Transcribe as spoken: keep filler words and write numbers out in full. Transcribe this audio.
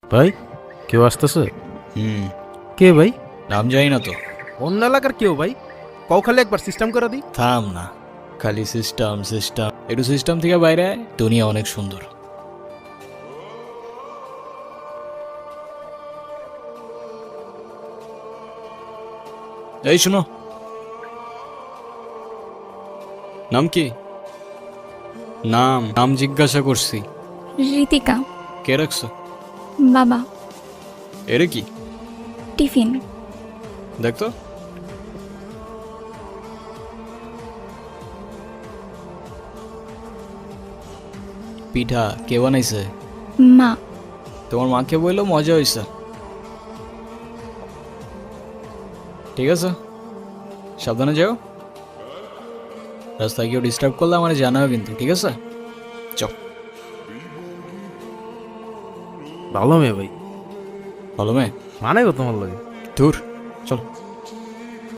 ভাই কেউ আসতেছে? হুম কে ভাই? নাম জানি না তো। অন্য এলাকার কেউ ভাই? কও খালি একবার সিস্টেম করে দিই। থাম না, খালি সিস্টেম সিস্টেম, একটু সিস্টেম থেকে বাইরে আয়, দুনিয়া অনেক সুন্দর। এই শোনো, নাম কি? নাম নাম জিজ্ঞাসা করছি। ঋতিকা। কে রাখছো? বাবা। এরে কি টিফিন। দেখতো। পিঠা কে বানাইছে? মা। তোমার মাকে বললো মজা হয়েছে। ঠিক আছে, সাবধানে যাও। রাস্তায় কেউ ডিস্টার্ব করলে আমার জানাও কিন্তু, ঠিক আছে? চল। ভালো মেয়ে ভাই, ভালো মেয়ে মানে গো তোমার লাগে। দূর, চল।